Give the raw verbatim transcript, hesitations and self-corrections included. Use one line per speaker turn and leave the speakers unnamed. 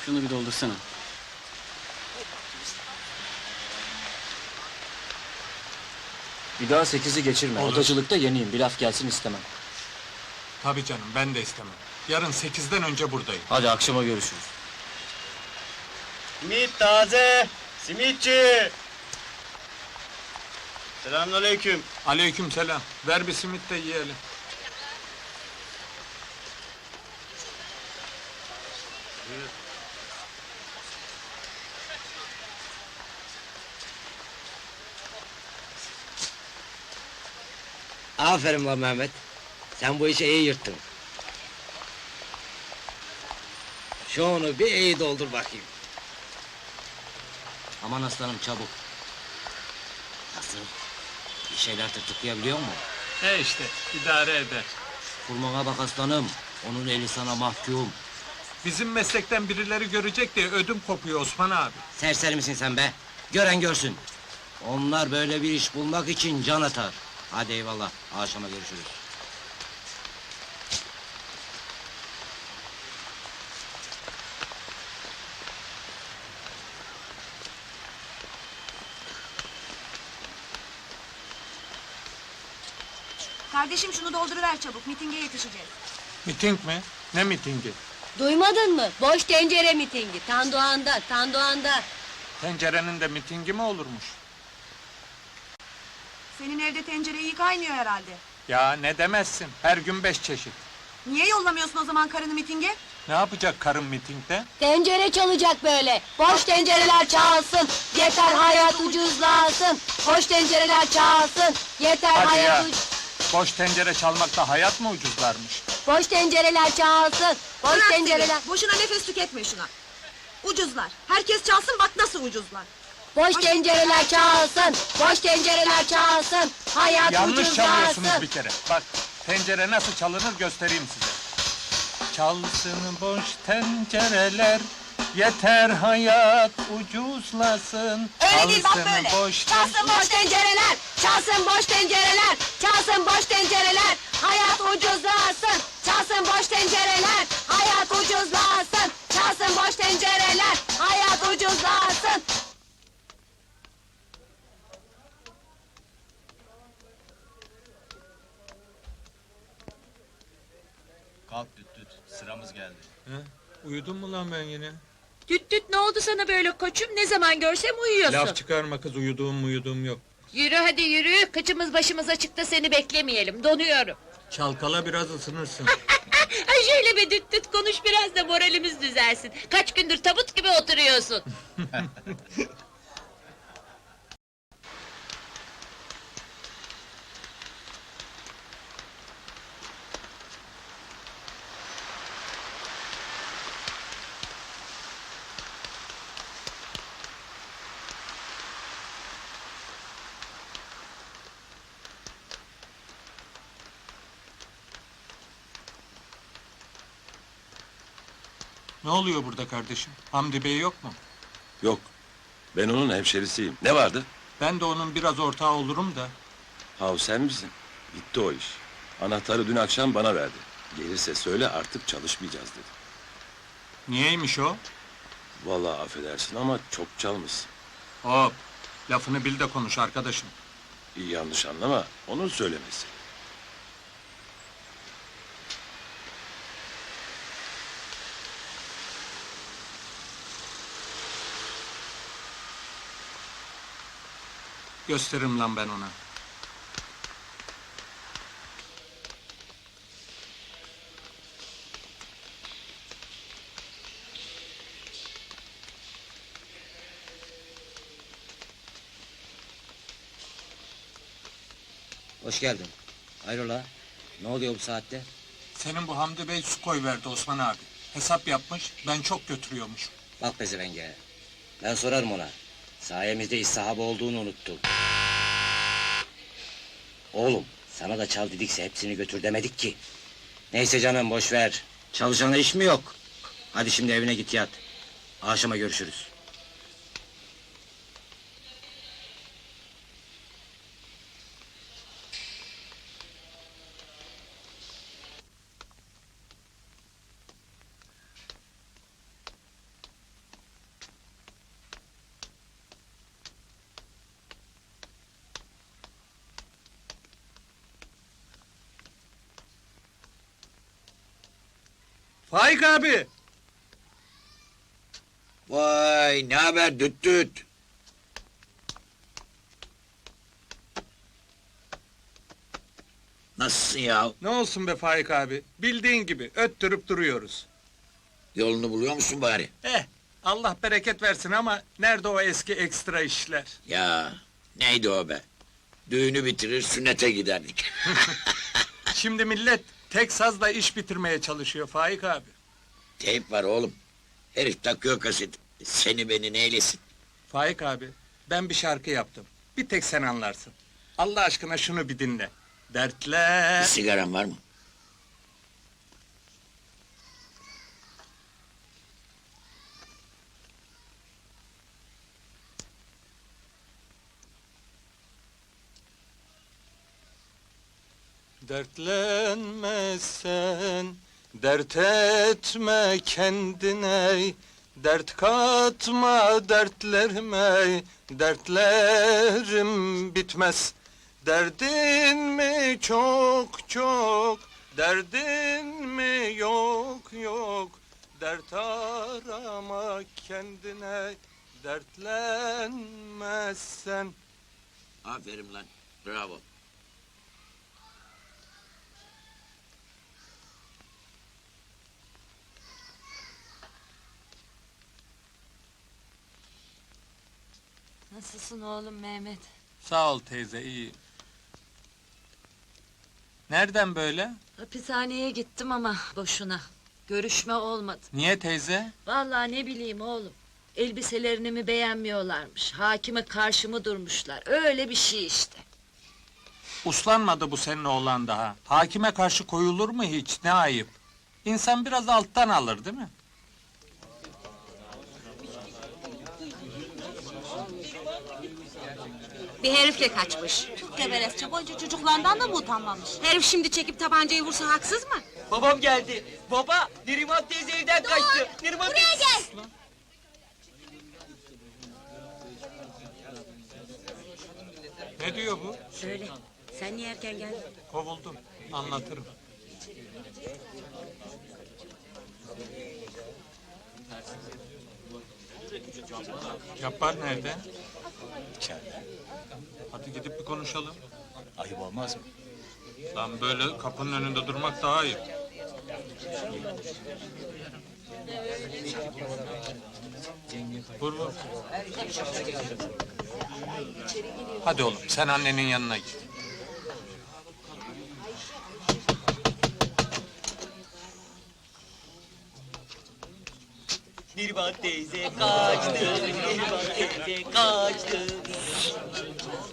Şunu bir doldursana.
Bir daha sekizi geçirme.
Olur.
Odacılıkta yeniyim. Bir laf gelsin istemem.
Tabii canım, ben de istemem. Yarın sekizden önce buradayım.
Hadi akşama görüşürüz.
Simit taze! Simitçi! Selamünaleyküm.
Aleyküm selam. Ver bir simit de yiyelim.
Aferin lan Mehmet. Sen bu işi iyi yırttın. Şunu bir iyi doldur bakayım. Aman aslanım çabuk. Nasıl? Bir şeyler tırtıklayabiliyor mu?
E işte, idare eder.
Kurmana bak aslanım. Onun eli sana mahkum.
Bizim meslekten birileri görecek diye ödüm kopuyor Osman abi.
Serseri misin sen be? Gören görsün. Onlar böyle bir iş bulmak için can atar. Hadi eyvallah. Akşama görüşürüz.
Kardeşim şunu dolduruver çabuk, mitinge yetişeceğiz.
Miting mi? Ne mitingi?
Duymadın mı? Boş tencere mitingi. Tandoğan'da, Tandoğan'da.
Tencerenin de mitingi mi olurmuş?
Senin evde tencere iyi kaynıyor herhalde.
Ya ne demezsin, her gün beş çeşit.
Niye yollamıyorsun o zaman karını mitinge?
Ne yapacak karın mitingde?
Tencere çalacak böyle. Boş tencereler çalsın. Yeter hayat ucuzlasın. Boş tencereler çalsın. Yeter
Hadi
hayat
ya.
uc...
Boş tencere çalmakta hayat mı ucuzlarmış?
Boş tencereler çalsın. Boş
Bırak
tencereler...
seni, boşuna nefes tüketme şuna. Ucuzlar, herkes çalsın bak nasıl ucuzlar.
Boş tencereler çalsın. Boş tencereler çalsın. Hayat
Yanlış
ucuzlasın.
çalıyorsunuz bir kere. Bak, tencere nasıl çalınır göstereyim size. Çalsın boş tencereler, yeter hayat ucuzlasın.
Öyle değil, bak
Çalsın
böyle.
boş
Çalsın boş tencereler. Çalsın boş tencereler. Çalsın boş tencereler. Hayat ucuzlasın. Çalsın boş tencereler. Hayat ucuzlasın. Çalsın boş tencereler. Hayat ucuzlasın.
Kalk düt düt, sıramız geldi.
He? Uyudun mu lan ben yine?
Düt düt ne oldu sana böyle koçum? Ne zaman görsem uyuyorsun.
Laf çıkarma kız, uyuduğum uyuduğum yok.
Yürü hadi yürü. Kıçımız başımız açıkta seni beklemeyelim. Donuyorum.
Çalkala biraz ısınırsın.
Ay şöyle bir düt düt konuş biraz da moralimiz düzelsin. Kaç gündür tabut gibi oturuyorsun.
Ne oluyor burada kardeşim? Hamdi Bey yok mu?
Yok. Ben onun hemşerisiyim. Ne vardı?
Ben de onun biraz ortağı olurum da.
Hav sen misin? Bitti o iş. Anahtarı dün akşam bana verdi. Gelirse söyle artık çalışmayacağız dedi.
Niyeymiş o?
Vallahi affedersin ama çok çalmışsın.
Hop! Lafını bil de konuş arkadaşım.
İyi yanlış anlama. Onun söylemesi.
Gösteririm lan ben ona.
Hoş geldin. Hayrola? Ne oluyor bu saatte?
Senin bu Hamdi Bey su koyverdi Osman abi. Hesap yapmış, ben çok götürüyormuş.
Bak pezevenge. Ben sorarım ona. Sayemizde iş sahibi olduğunu unuttu. Oğlum, sana da çal dedikse hepsini götür demedik ki. Neyse canım, boş ver. Çalışana iş mi yok? Hadi şimdi evine git yat. Akşama görüşürüz.
Faik abi!
Vay ne haber düt düt. Nasılsın ya?
Ne olsun be Faik abi? Bildiğin gibi öttürüp duruyoruz.
Yolunu buluyor musun bari?
Eh, Allah bereket versin ama nerede o eski ekstra işler?
Ya neydi o be? Düğünü bitirir sünnete giderdik.
Şimdi millet tek sazla iş bitirmeye çalışıyor Faik abi.
Teyp var oğlum. Herif takıyor kaset. Seni beni neylesin?
Faik abi, ben bir şarkı yaptım. Bir tek sen anlarsın. Allah aşkına şunu bir dinle. Dertler...
Bir sigaran var mı?
Dertlenme sen, dert etme kendine, dert katma dertlerime, dertlerim bitmez. Derdin mi çok çok, derdin mi yok yok, dert arama kendine, dertlenme sen.
Aferin lan. Bravo.
Nasılsın oğlum Mehmet?
Sağ ol teyze, iyi. Nereden böyle?
Hapishaneye gittim ama boşuna. Görüşme olmadı.
Niye teyze?
Vallahi ne bileyim oğlum. Elbiselerini mi beğenmiyorlarmış. Hakime karşı mı durmuşlar. Öyle bir şey işte.
Uslanmadı bu senin oğlan daha. Hakime karşı koyulur mu hiç? Ne ayıp. İnsan biraz alttan alır değil mi?
Bir herifle kaçmış.
Çok geveresçe boyunca çocuklarından da mı utanmamış?
Herif şimdi çekip tabancayı vursa haksız mı?
Babam geldi. Baba, Neriman teyze evden kaçtı. Neriman
Buraya gel!
Ne diyor bu?
Söyle. Sen niye erken geldin?
Kovuldum. Anlatırım. Yapar nerede?
İçeride.
Hadi gidip bir konuşalım.
Ayıp olmaz mı?
Lan böyle kapının önünde durmak daha iyi. Vur vur. Hadi oğlum sen annenin yanına git.
Neriman teyze kaçtı. Neriman teyze kaçtı.